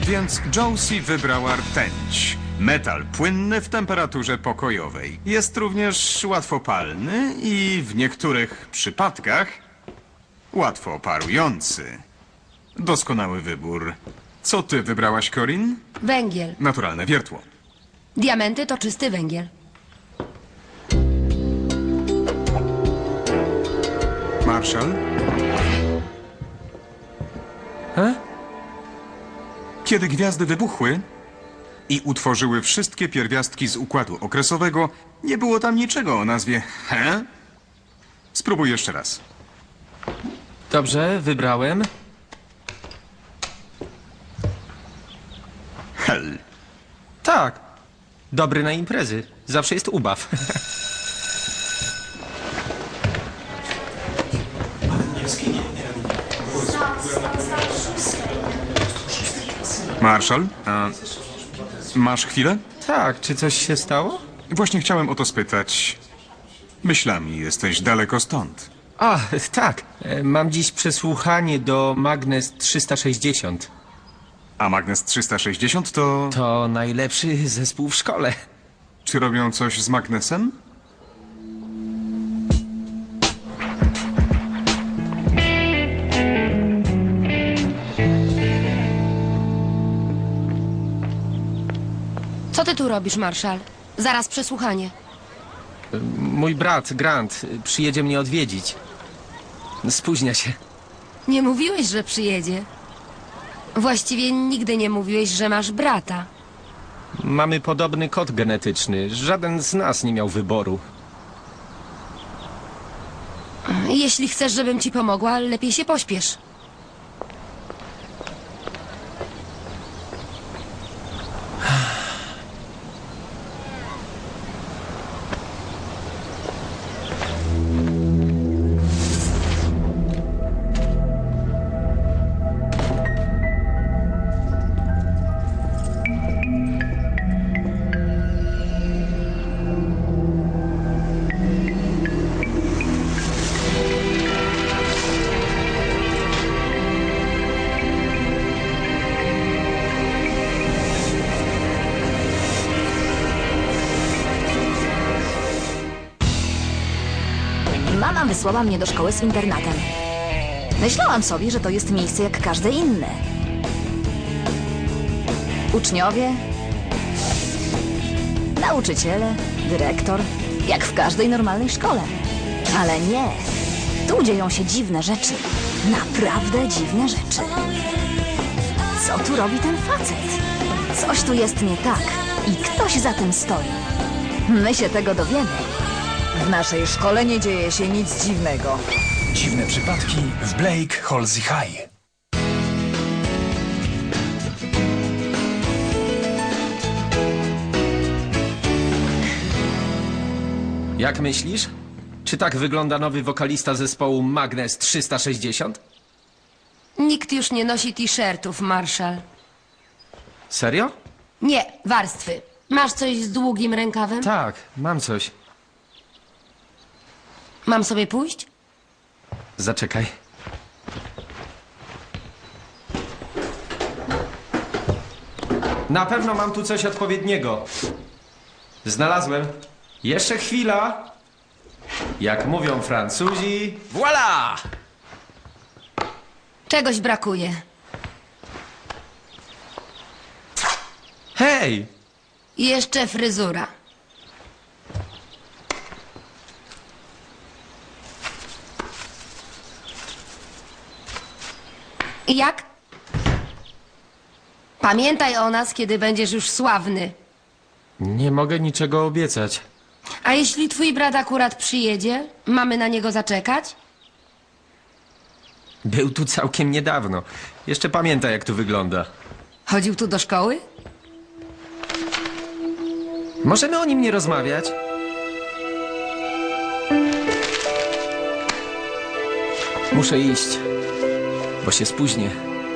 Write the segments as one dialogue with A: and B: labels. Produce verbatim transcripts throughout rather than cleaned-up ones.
A: Więc Josie wybrała rtęć. Metal płynny w temperaturze pokojowej. Jest również łatwopalny i w niektórych przypadkach łatwo parujący. Doskonały wybór. Co ty wybrałaś, Corinne?
B: Węgiel.
A: Naturalne wiertło.
B: Diamenty to czysty węgiel.
A: Marshall?
C: He?
A: Kiedy gwiazdy wybuchły i utworzyły wszystkie pierwiastki z układu okresowego, nie było tam niczego o nazwie He? Spróbuj jeszcze raz.
C: Dobrze, wybrałem.
A: Hel.
C: Tak. Dobry na imprezy. Zawsze jest ubaw.
A: Marshall, a masz chwilę?
C: Tak, czy coś się stało?
A: Właśnie chciałem o to spytać. Myślami jesteś daleko stąd.
C: A, tak. E, Mam dziś przesłuchanie do Magnes trzysta sześćdziesiąt.
A: A Magnes trzysta sześćdziesiąt to...
C: To najlepszy zespół w szkole.
A: Czy robią coś z magnesem?
B: Co ty tu robisz, Marshall? Zaraz przesłuchanie.
C: Mój brat, Grant, przyjedzie mnie odwiedzić. Spóźnia się.
B: Nie mówiłeś, że przyjedzie. Właściwie nigdy nie mówiłeś, że masz brata.
C: Mamy podobny kod genetyczny. Żaden z nas nie miał wyboru.
B: Jeśli chcesz, żebym ci pomogła, lepiej się pośpiesz.
D: Mama wysłała mnie do szkoły z internatem. Myślałam sobie, że to jest miejsce jak każde inne. Uczniowie, nauczyciele, dyrektor, jak w każdej normalnej szkole. Ale nie. Tu dzieją się dziwne rzeczy. Naprawdę dziwne rzeczy. Co tu robi ten facet? Coś tu jest nie tak i ktoś za tym stoi. My się tego dowiemy.
E: W naszej szkole nie dzieje się nic dziwnego.
F: Dziwne przypadki w Blake Halsey High.
C: Jak myślisz? Czy tak wygląda nowy wokalista zespołu Magnes trzysta sześćdziesiąt?
B: Nikt już nie nosi t-shirtów, Marshall.
C: Serio?
B: Nie, warstwy. Masz coś z długim rękawem?
C: Tak, mam coś.
B: Mam sobie pójść?
C: Zaczekaj. Na pewno mam tu coś odpowiedniego. Znalazłem. Jeszcze chwila. Jak mówią Francuzi, voilà!
B: Czegoś brakuje.
C: Hej!
B: Jeszcze fryzura. Jak? Pamiętaj o nas, kiedy będziesz już sławny.
C: Nie mogę niczego obiecać.
B: A jeśli twój brat akurat przyjedzie, mamy na niego zaczekać?
C: Był tu całkiem niedawno. Jeszcze pamięta, jak tu wygląda.
B: Chodził tu do szkoły?
C: Możemy o nim nie rozmawiać? Muszę iść, bo się spóźnię.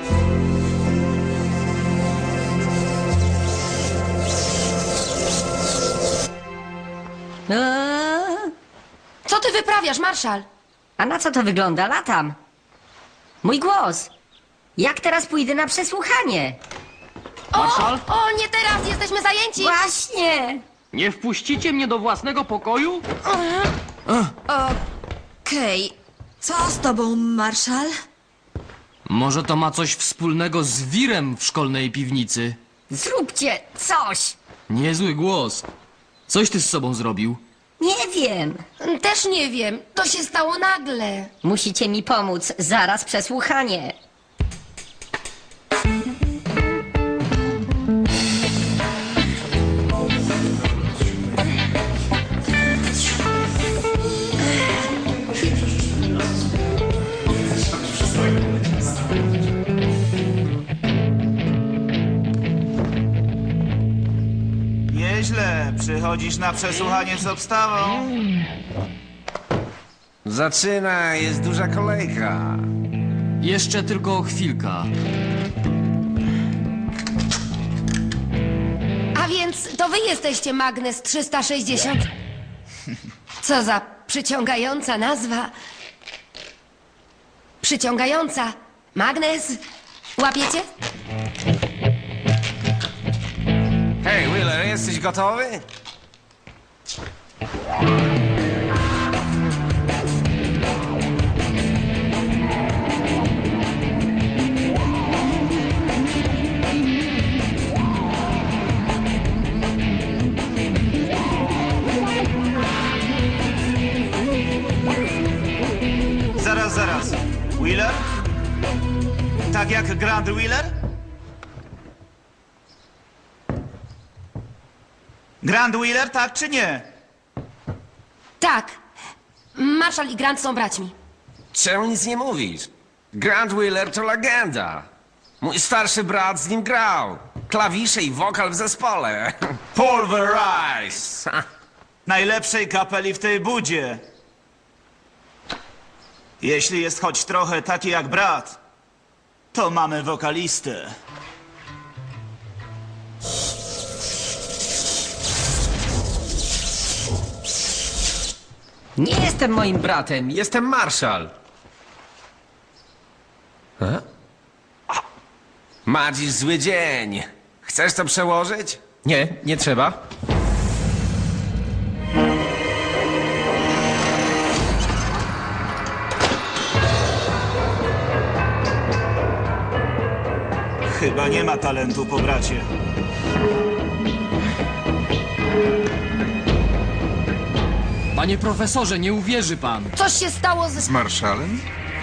G: Eee,
B: Co ty wyprawiasz, Marszal?
G: a na co to wygląda? Latam. Mój głos. Jak teraz pójdę na przesłuchanie?
H: Marszal?
B: O, nie teraz, jesteśmy zajęci!
G: Właśnie!
H: Nie wpuścicie mnie do własnego pokoju?
E: Okej, co z tobą, Marszal?
H: Może to ma coś wspólnego z wirem w szkolnej piwnicy?
G: Zróbcie coś!
H: Niezły głos. Coś ty z sobą zrobił?
G: Nie wiem.
B: Też nie wiem, to się stało nagle.
G: Musicie mi pomóc. Zaraz przesłuchanie.
I: Nieźle. Przychodzisz na przesłuchanie z obstawą.
C: Zaczyna, jest duża kolejka.
H: Jeszcze tylko chwilka.
B: A więc to wy jesteście Magnes trzysta sześćdziesiąt? Co za przyciągająca nazwa. Przyciągająca. Magnes. Łapiecie?
C: Hej, Wheeler, jesteś gotowy?
I: Zaraz, zaraz. Wheeler? Tak jak Grand Wheeler? Grand Wheeler, tak czy nie?
B: Tak. Marszal i Grant są braćmi.
C: Czemu nic nie mówisz? Grant Wheeler to legenda. Mój starszy brat z nim grał. Klawisze i wokal w zespole. Pulverize!
I: Najlepszej kapeli w tej budzie. Jeśli jest choć trochę taki jak brat, to mamy wokalistę.
C: Nie jestem moim bratem, jestem Marszal. E? Ma dziś zły dzień. Chcesz to przełożyć? Nie, nie trzeba.
I: Chyba nie ma talentu po bracie.
H: Panie profesorze, nie uwierzy pan.
B: Coś się stało ze...
A: Z Marszalem?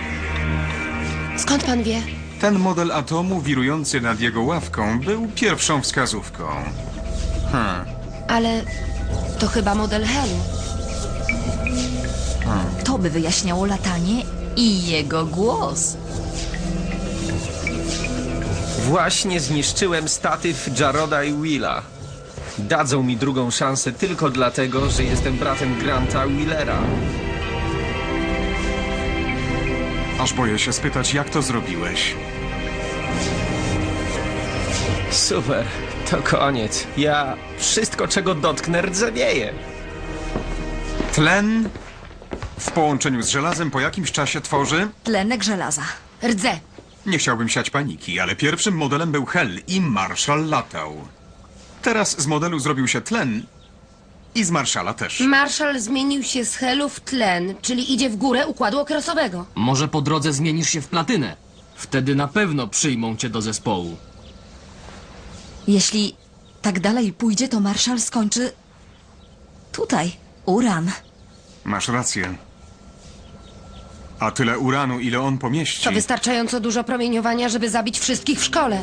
B: Skąd pan wie?
A: Ten model atomu wirujący nad jego ławką był pierwszą wskazówką.
B: Ale to chyba model Helu.
D: To by wyjaśniało latanie i jego głos.
C: Właśnie zniszczyłem statyw Jaroda i Willa. Dadzą mi drugą szansę tylko dlatego, że jestem bratem Granta Wheelera.
A: Aż boję się spytać, jak to zrobiłeś.
C: Super, to koniec. Ja wszystko, czego dotknę, rdzewieję.
A: Tlen w połączeniu z żelazem po jakimś czasie tworzy...
D: Tlenek żelaza.
B: Rdze.
A: Nie chciałbym siać paniki, ale pierwszym modelem był Hel i Marszal latał. Teraz z modelu zrobił się tlen i z Marszala też.
B: Marszal zmienił się z Helu w tlen, czyli idzie w górę układu okresowego.
H: Może po drodze zmienisz się w platynę. Wtedy na pewno przyjmą cię do zespołu.
D: Jeśli tak dalej pójdzie, to Marszal skończy tutaj. Uran.
A: Masz rację. A tyle uranu, ile on pomieści...
B: To wystarczająco dużo promieniowania, żeby zabić wszystkich w szkole.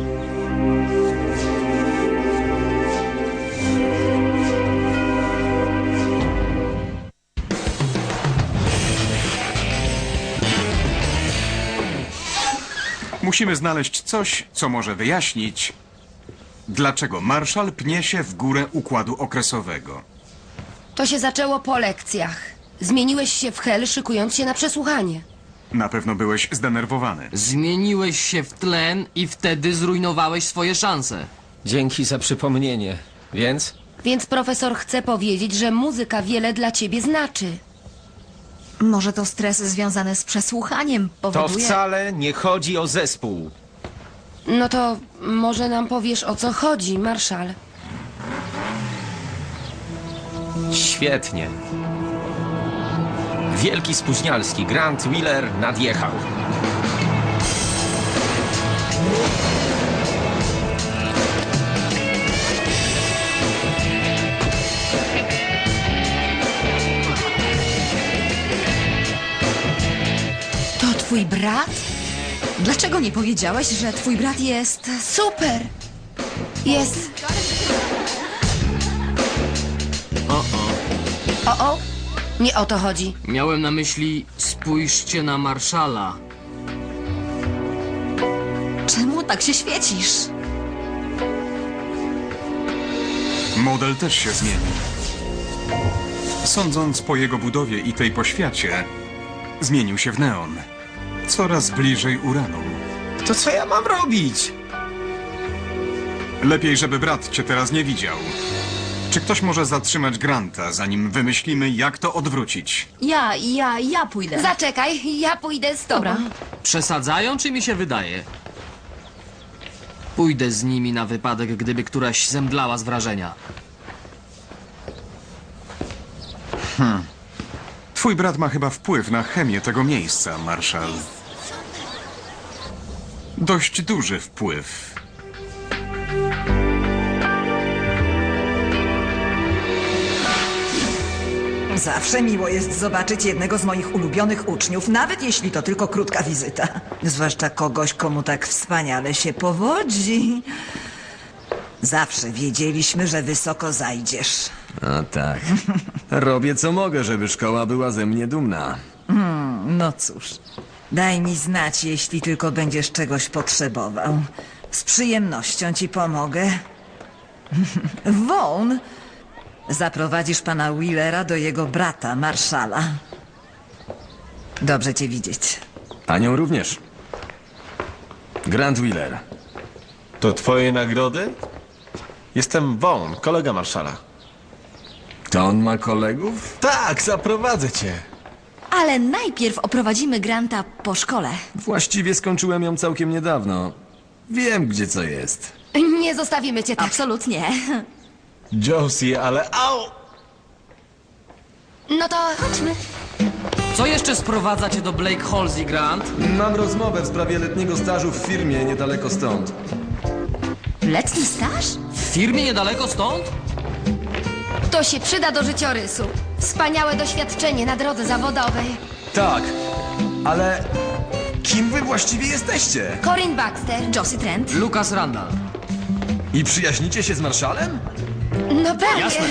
A: Musimy znaleźć coś, co może wyjaśnić, dlaczego Marszal pnie się w górę układu okresowego.
B: To się zaczęło po lekcjach. Zmieniłeś się w Hel, szykując się na przesłuchanie.
A: Na pewno byłeś zdenerwowany.
H: Zmieniłeś się w tlen i wtedy zrujnowałeś swoje szanse.
C: Dzięki za przypomnienie. Więc?
B: Więc profesor chce powiedzieć, że muzyka wiele dla ciebie znaczy.
D: Może to stres związany z przesłuchaniem
C: To
D: powoduje...
C: wcale nie chodzi o zespół.
B: No to może nam powiesz, o co chodzi, Marszal.
C: Świetnie. Wielki spóźnialski Grant Wheeler nadjechał.
B: To twój brat?
E: Dlaczego nie powiedziałeś, że twój brat jest...
B: Super! Jest...
H: O, o.
B: O, o! Nie o to chodzi.
H: Miałem na myśli, spójrzcie na Marszala.
E: Czemu tak się świecisz?
A: Model też się zmieni. Sądząc po jego budowie i tej poświacie, zmienił się w neon. Coraz bliżej uranu.
C: To co ja mam robić?
A: Lepiej, żeby brat cię teraz nie widział. Czy ktoś może zatrzymać Granta, zanim wymyślimy, jak to odwrócić?
E: Ja, ja, ja pójdę.
B: Zaczekaj, ja pójdę z tobą.
E: Dobra.
H: Przesadzają, czy mi się wydaje? Pójdę z nimi na wypadek, gdyby któraś zemdlała z wrażenia.
A: Twój brat ma chyba wpływ na chemię tego miejsca, Marszal. Dość duży wpływ.
E: Zawsze miło jest zobaczyć jednego z moich ulubionych uczniów, nawet jeśli to tylko krótka wizyta. Zwłaszcza kogoś, komu tak wspaniale się powodzi. Zawsze wiedzieliśmy, że wysoko zajdziesz.
J: A tak. Robię co mogę, żeby szkoła była ze mnie dumna.
E: No cóż, daj mi znać, jeśli tylko będziesz czegoś potrzebował. Z przyjemnością ci pomogę. Vaughn, zaprowadzisz pana Wheelera do jego brata, Marszala. Dobrze cię widzieć.
J: Panią również. Grant Wheeler.
K: To twoje nagrody? Jestem Vaughn, kolega Marszala.
J: To on ma kolegów?
K: Tak, zaprowadzę cię.
D: Ale najpierw oprowadzimy Granta po szkole.
J: Właściwie skończyłem ją całkiem niedawno. Wiem, gdzie co jest.
B: Nie zostawimy cię tak.
D: Absolutnie.
K: Josie, ale au!
B: No to chodźmy.
H: Co jeszcze sprowadza cię do Blake Halsey, Grant?
J: Mam rozmowę w sprawie letniego stażu w firmie niedaleko stąd.
D: Letni staż?
H: W firmie niedaleko stąd?
B: To się przyda do życiorysu. Wspaniałe doświadczenie na drodze zawodowej.
J: Tak, ale kim wy właściwie jesteście?
B: Corinne Baxter.
D: Josie Trent?
H: Lucas Randall.
J: I przyjaźnicie się z Marszalem?
B: No pewnie.
H: Jasne.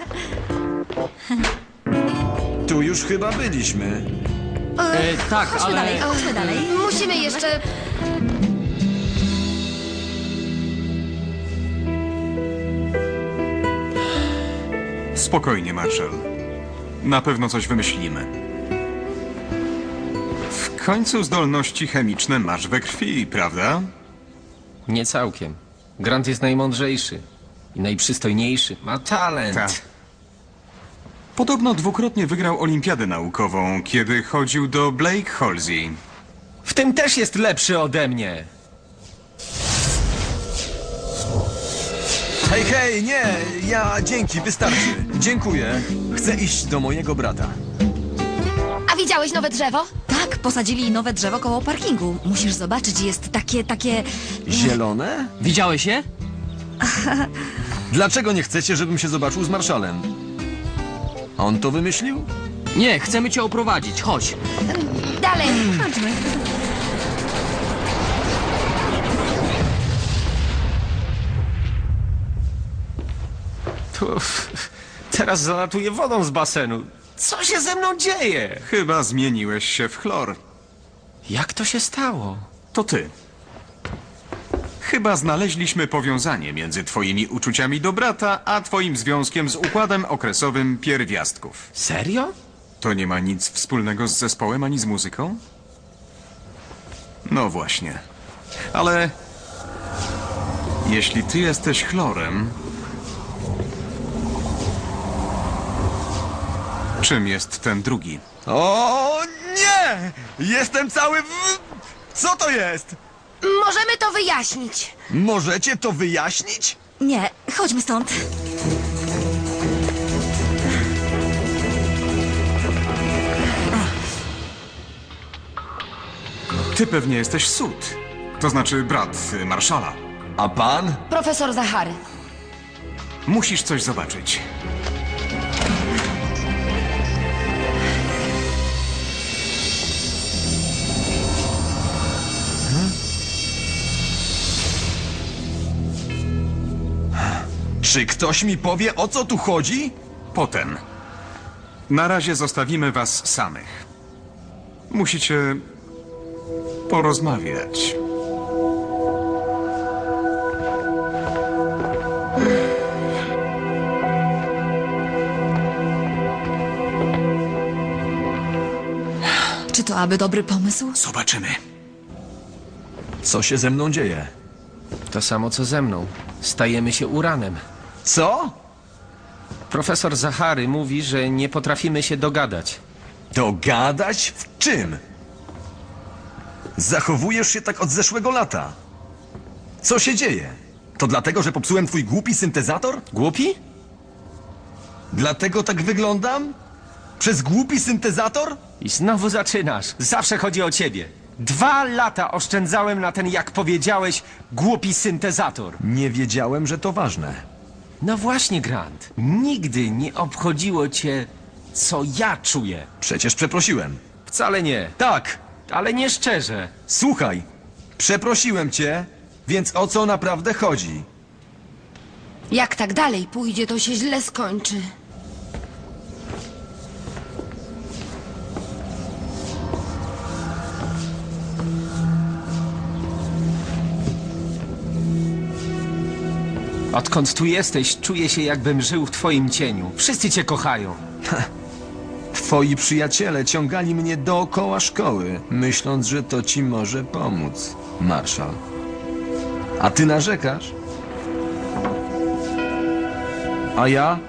J: Tu już chyba byliśmy.
H: E, tak,
D: Chodźmy
H: ale...
D: dalej, chodźmy dalej.
B: Musimy jeszcze...
A: Spokojnie, Marszal. Na pewno coś wymyślimy. W końcu zdolności chemiczne masz we krwi, prawda?
C: Nie całkiem. Grant jest najmądrzejszy i najprzystojniejszy. Ma talent.
A: Tak. Podobno dwukrotnie wygrał olimpiadę naukową, kiedy chodził do Blake Halsey.
C: W tym też jest lepszy ode mnie.
J: Hej, hej, nie! Ja dzięki, wystarczy. Dziękuję. Chcę iść do mojego brata.
B: A widziałeś nowe drzewo?
D: Tak, posadzili nowe drzewo koło parkingu. Musisz zobaczyć, jest takie, takie...
J: Zielone?
H: Widziałeś je?
J: Dlaczego nie chcecie, żebym się zobaczył z Marszalem? On to wymyślił?
H: Nie, chcemy cię oprowadzić, chodź.
B: Dalej.
D: Chodźmy.
C: Tu, teraz zalatuję wodą z basenu. Co się ze mną dzieje?
A: Chyba zmieniłeś się w chlor.
C: Jak to się stało?
A: To ty. Chyba znaleźliśmy powiązanie między twoimi uczuciami do brata, a twoim związkiem z układem okresowym pierwiastków.
C: Serio?
A: To nie ma nic wspólnego z zespołem ani z muzyką? No właśnie. Ale... jeśli ty jesteś chlorem... czym jest ten drugi?
J: O nie! Jestem cały w... Co to jest?
B: Możemy to wyjaśnić.
J: Możecie to wyjaśnić?
D: Nie, chodźmy stąd.
A: Ty pewnie jesteś Sud. To znaczy brat y, marszala.
J: A pan?
B: Profesor Zachary.
A: Musisz coś zobaczyć.
J: Czy ktoś mi powie, o co tu chodzi?
A: Potem. Na razie zostawimy was samych. Musicie porozmawiać.
D: Czy to aby dobry pomysł?
A: Zobaczymy.
J: Co się ze mną dzieje?
C: To samo co ze mną. Stajemy się uranem.
J: Co?
C: Profesor Zachary mówi, że nie potrafimy się dogadać.
J: Dogadać w czym? Zachowujesz się tak od zeszłego lata. Co się dzieje? To dlatego, że popsułem twój głupi syntezator?
C: Głupi?
J: Dlatego tak wyglądam? Przez głupi syntezator?
C: I znowu zaczynasz. Zawsze chodzi o ciebie. Dwa lata oszczędzałem na ten, jak powiedziałeś, głupi syntezator.
J: Nie wiedziałem, że to ważne.
C: No właśnie, Grant. Nigdy nie obchodziło cię, co ja czuję.
J: Przecież przeprosiłem.
C: Wcale nie.
J: Tak,
C: Ale nie szczerze.
J: słuchaj. Przeprosiłem cię, więc o co naprawdę chodzi?
B: Jak tak dalej pójdzie, to się źle skończy.
C: Odkąd tu jesteś, czuję się, jakbym żył w twoim cieniu. Wszyscy cię kochają.
J: Twoi przyjaciele ciągali mnie dookoła szkoły, myśląc, że to ci może pomóc, Marszal. A ty narzekasz? A ja?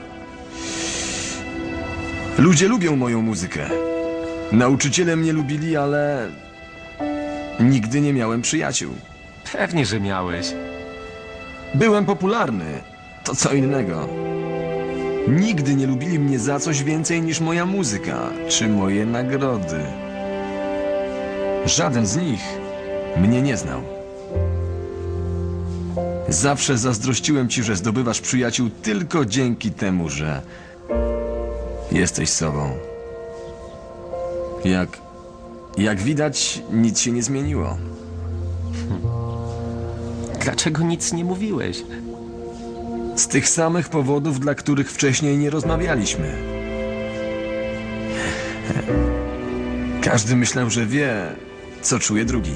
J: Ludzie lubią moją muzykę. Nauczyciele mnie lubili, ale nigdy nie miałem przyjaciół.
C: Pewnie, że miałeś.
J: Byłem popularny. To co innego. Nigdy nie lubili mnie za coś więcej niż moja muzyka, czy moje nagrody. Żaden z nich mnie nie znał. Zawsze zazdrościłem ci, że zdobywasz przyjaciół tylko dzięki temu, że jesteś sobą. Jak... jak widać, nic się nie zmieniło.
C: Dlaczego nic nie mówiłeś?
J: Z tych samych powodów, dla których wcześniej nie rozmawialiśmy. Każdy myślał, że wie, co czuje drugi.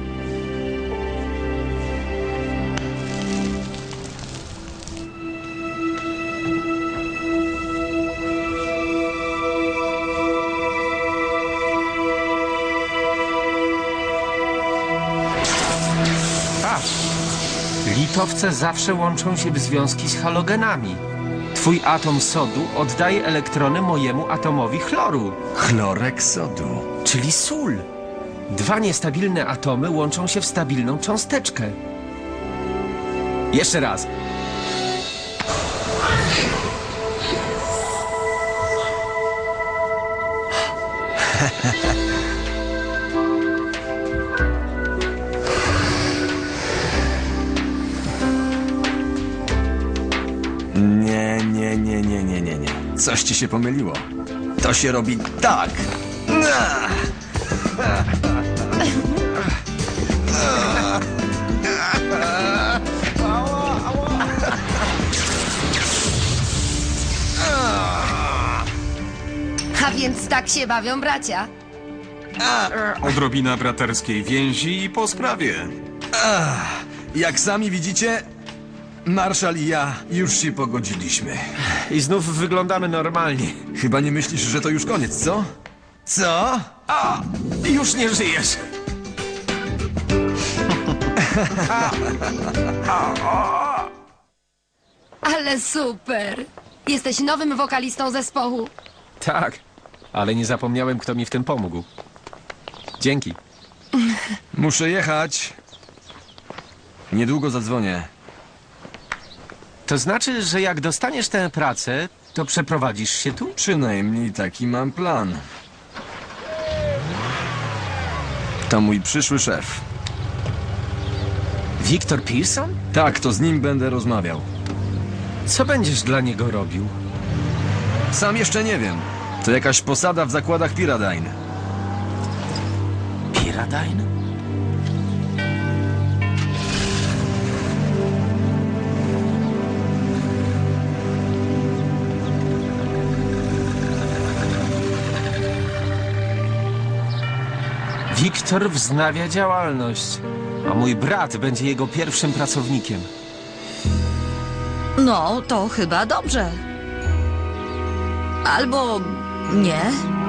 C: Patrz. Litowce zawsze łączą się w związki z halogenami. Twój atom sodu oddaje elektrony mojemu atomowi chloru,
J: Chlorek sodu.
C: czyli sól. Dwa niestabilne atomy łączą się w stabilną cząsteczkę. Jeszcze raz.
J: Nie, nie, nie, nie, nie, nie, nie. Coś ci się pomyliło. To się robi tak.
B: A więc tak się bawią bracia.
A: Odrobina braterskiej więzi i po sprawie.
J: Jak sami widzicie, Marszal i ja już się pogodziliśmy.
C: I znów wyglądamy normalnie.
J: Chyba nie myślisz, że to już koniec, co? Co?
C: A, już nie żyjesz.
B: Ale super. Jesteś nowym wokalistą zespołu.
C: Tak, ale nie zapomniałem, kto mi w tym pomógł. Dzięki.
J: Muszę jechać. Niedługo zadzwonię.
C: To znaczy, że jak dostaniesz tę pracę, to przeprowadzisz się tu?
J: Przynajmniej taki mam plan. To mój przyszły szef.
C: Victor Pearson?
J: Tak, to z nim będę rozmawiał.
C: Co będziesz dla niego robił?
J: Sam jeszcze nie wiem. To jakaś posada w zakładach Pyradine.
C: Pyradine? Wiktor wznawia działalność, a mój brat będzie jego pierwszym pracownikiem.
E: No, to chyba dobrze. Albo nie.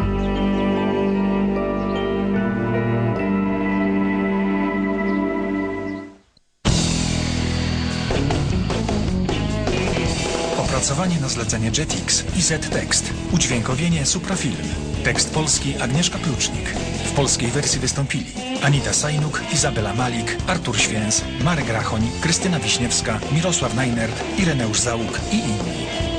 F: Opracowanie na zlecenie Jetix i Z-Tekst. Udźwiękowienie Suprafilm. Tekst polski Agnieszka Plucznik. W polskiej wersji wystąpili Anita Sajnuk, Izabela Malik, Artur Święs, Marek Rachoń, Krystyna Wiśniewska, Mirosław Najnert, Ireneusz Załuk i inni.